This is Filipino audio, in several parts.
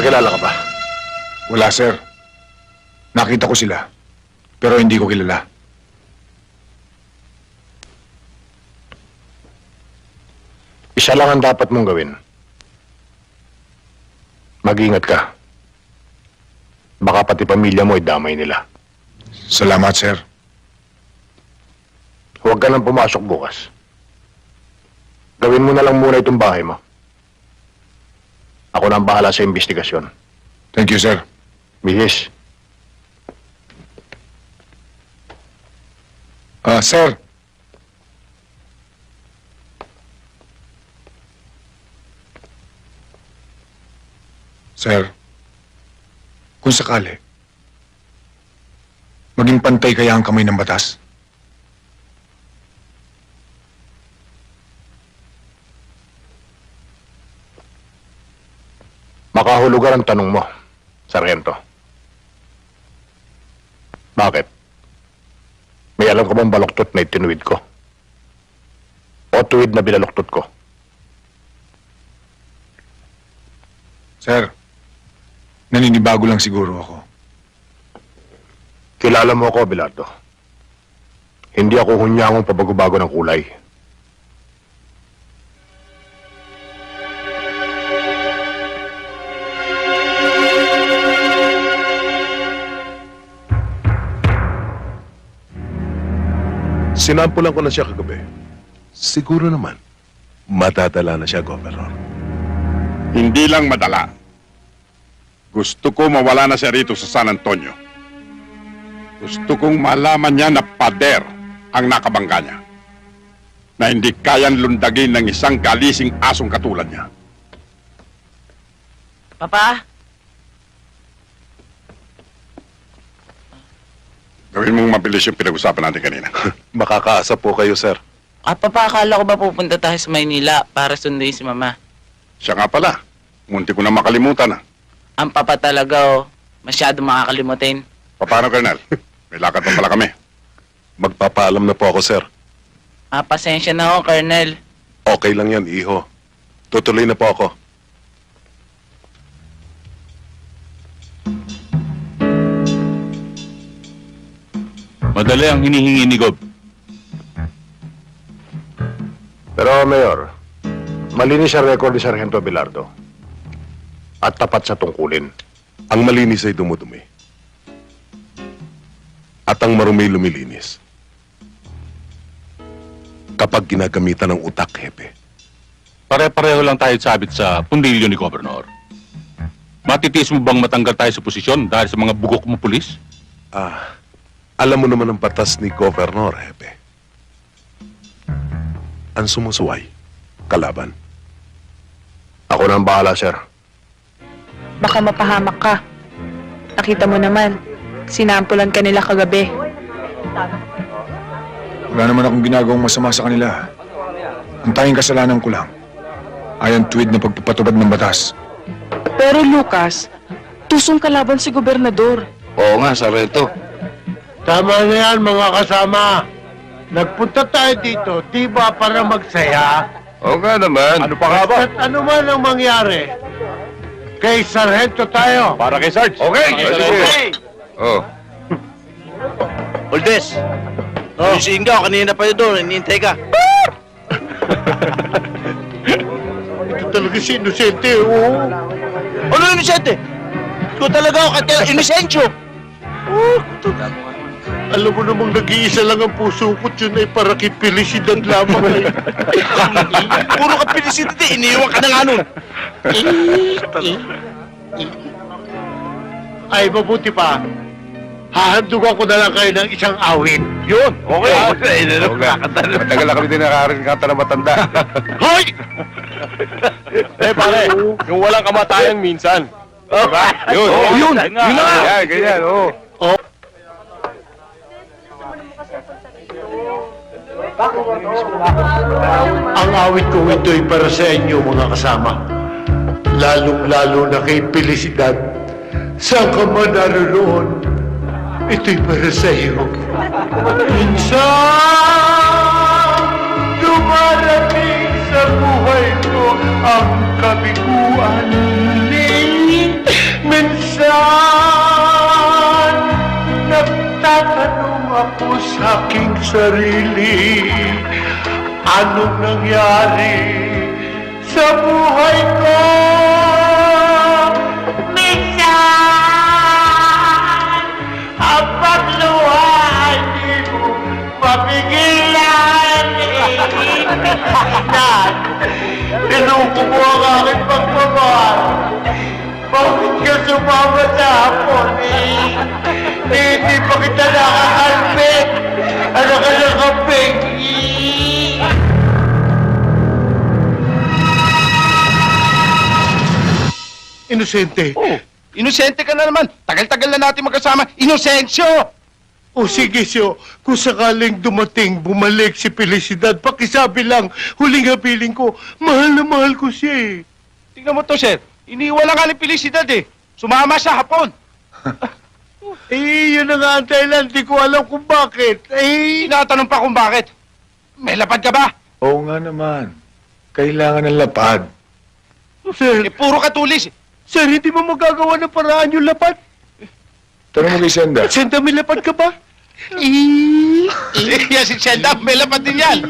Nagkakilala ka ba? Wala, sir. Nakita ko sila, pero hindi ko kilala. Isa lang ang dapat mong gawin. Mag-ingat ka. Baka pati pamilya mo ay damay nila. Salamat, sir. Huwag ka nang pumasok bukas. Gawin mo na lang muna itong bahay mo. Ako na ang bahala sa investigasyon. Thank you, sir. Bihis. Sir. Sir, kung sakali, maging pantay kaya ang kamay ng batas? Makahulugan ang tanong mo, Sargento. Bakit? May alam ka bang baluktot na itinuwid ko? O tuwid na binaluktot ko? Sir, naninibago lang siguro ako. Kilala mo ako, Abelardo. Hindi ako hunyangong pabago-bago ng kulay. Sinampulan ko na siya kagabi. Siguro naman, matadala na siya, Governor. Hindi lang madala. Gusto ko mawala na siya rito sa San Antonio. Gusto kong malaman niya na pader ang nakabangga niya. Na hindi kayang lundagin ng isang galising asong katulad niya. Papa? Gawin mong mabilis yung pinag-usapan natin kanina. Makakaasa po kayo, sir. Papa, akala ko ba pupunta tayo sa Maynila para sunduin si Mama? Siya nga pala. Munti ko na makalimutan na. Ang papa talaga, masyado makakalimutin. Paano, Colonel? May lakad pa pala kami. Magpapaalam na po ako, sir. Pasensya na ako, Colonel. Okay lang yan, iho. Tutuloy na po ako. Madali ang hinihingi ni Gob. Pero, Mayor, malinis ang record ni Sargento Abelardo. At tapat sa tungkulin. Ang malinis ay dumudumi. At ang marumi lumilinis. Kapag ginagamitan ng utak, hepe. Pare-pareho lang tayo sabit sa pundilyo ni Gobernador. Matitiis mo bang matanggal tayo sa posisyon dahil sa mga bugok mo pulis? Alam mo naman ang batas ni Governor, hepe. Ang sumusuway, kalaban. Ako na ang bahala, sir. Baka mapahamak ka. Nakita mo naman, sinampulan ka nila kagabi. Wala naman akong ginagawang masama sa kanila. Ang tanging kasalanan ko lang ay ang tuwid na pagpapatubad ng batas. Pero Lucas, tusong kalaban si gobernador. Oo nga, Sargento. Tama na yan, mga kasama. Nagpunta tayo dito, di ba para magsaya? Oo nga naman. Ano pa nga ba? At ano man ang mangyari, kay Sargento tayo. Para kay Sarge. Okay, sige. Oh. Oldes! Oh. Yung si Ingaw, kanina pa yun doon, hinihintay ka. Ito talaga si Inosente, oo. Ano yung inisente? Ikaw talaga ako, kaya inisensyo! Alam mo namang nag-iisa lang ang puso ko, yun ay para kay Felicidad lamang. Puro ka pinisidite, iniiwan ka na nga nun. Ay, mabuti pa. Hahandugan ko na lang kayo ng isang awit. Yun, okay. Tagal na kami din nakarinig kanta na matanda. Hoy! Pare, yung walang kamatayan minsan. Diba? Yun, Yun na nga! Yan, ganyan, oo. Ang awit ko ito'y para sa inyo, mga kasama. Lalong-lalo na kay Felicidad. Saan ka man naroon, ito'y para sa iyo. Minsan, dumarating sa buhay ko ang kabiguan. sa aking sarili. Anong nangyari sa buhay ko? Minsan, ang pagluha ay di mo mapigilan. Minsan, pinuko mo ang aking pagmamahal. Bakit ka sumama sa hapon hindi pa kita nakakalpit. Ano ka nakapig? Inosente. Oh, inosente ka na naman. Tagal-tagal na natin magkasama. Inosensyo! O sige, Syo, kung sakaling dumating, bumalik si Felicidad, pakisabi lang, huling hapiling ko, mahal na mahal ko siya eh. Tingnan mo to, sir. Iniwan na nga ni Felicidad eh. Sumama siya hapon. Eh, yun na nga ang dahilan, di ko alam kung bakit. Eh, Tinatanong pa kung bakit. May lapad ka ba? Oo nga naman. Kailangan ng lapad. sir, Eh, puro katulis. sir, hindi mo magagawa ng paraan yung lapad. Tanong mo kay Senda. Senta, may lapad ka ba? Eh, Yan si Senda, may lapad din yan.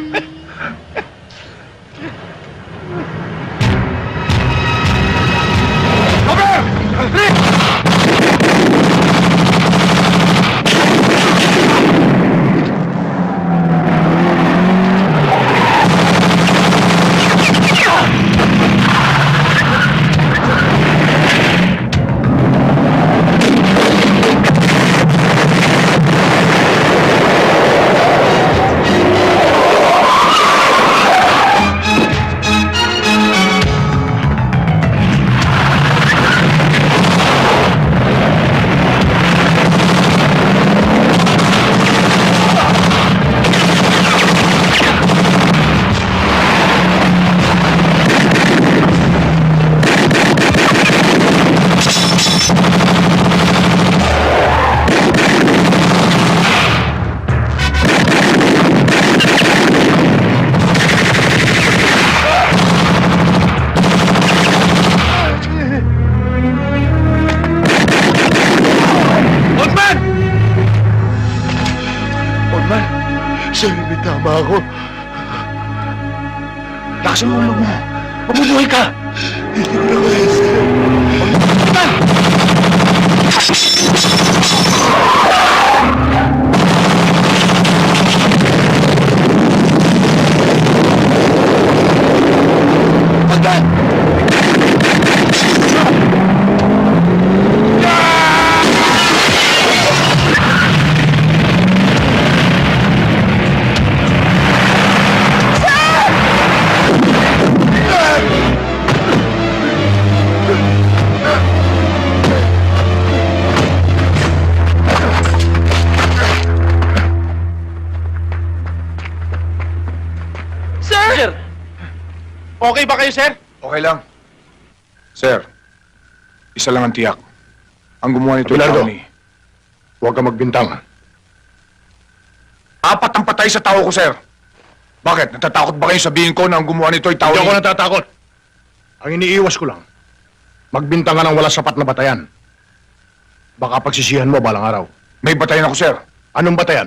sir, may tama ako. Lakasan mo ulo mo. Mabubuhay ka. Hindi ko na kaya, sir. Sir! Okay ba kayo, sir? Okay lang. Sir, isa lang ang tiyak. Ang gumawa nito ay Abelardo. tao ni... Huwag ka magbintang. Apat ang patay sa tao ko, sir. Bakit? Natatakot ba kayo sabihin ko na ang gumawa nito ay tao Hindi ni... ako natatakot. Ang iniiwas ko lang, magbintang ka ng wala sapat na batayan. Baka pagsisihan mo balang araw. May batayan ako, sir. Anong batayan?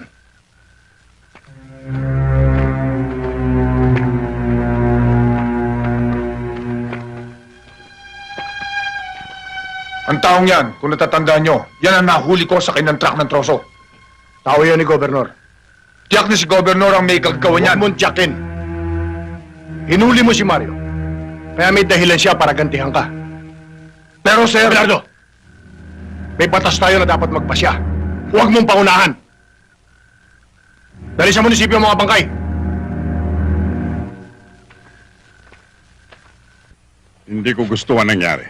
Ang taong yan, kung natatandaan nyo, yan ang nahuli ko sa kinang truck ng troso. Tao yan ni Gobernur. Tiyak na si Gobernur ang may kagagawa Huwag niyan. mong tiyakin. Hinuli mo si Mario. Kaya may dahilan siya para gantihan ka. Pero, sir... Abelardo, may batas tayo na dapat magpasya. Huwag mong paunahan. Dali sa munisipyo ang mga bangkay. Hindi ko gusto ang nangyari.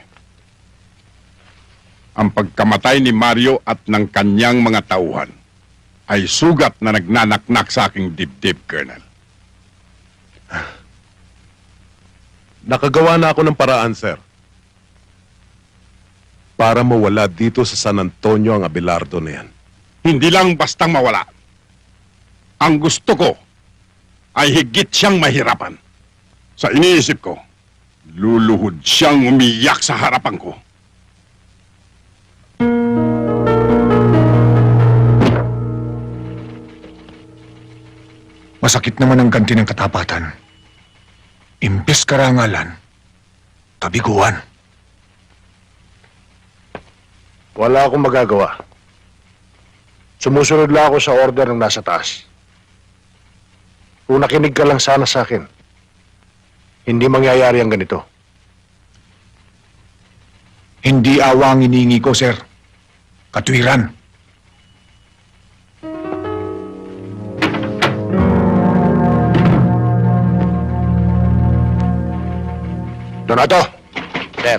Ang pagkamatay ni Mario at ng kanyang mga tauhan ay sugat na nagnanaknak sa aking dibdib, Colonel. Nakagawa na ako ng paraan, sir. Para mawala dito sa San Antonio ang Abelardo na yan. Hindi lang bastang mawala. Ang gusto ko ay higit siyang mahirapan. Sa iniisip ko, luluhod siyang umiyak sa harapan ko. Masakit naman ang ganti ng katapatan. Imbes karangalan, kabiguan. Wala akong magagawa. Sumusunod lang ako sa order ng nasa taas. Kung nakinig ka lang sana sa akin, hindi mangyayari ang ganito. Hindi awa ang iniingi ko, sir. Katwiran. Donato! Sir.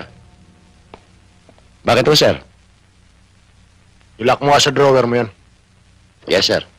Bakit po, sir? Ilak mo nga sa drawer mo yan. Yes, sir.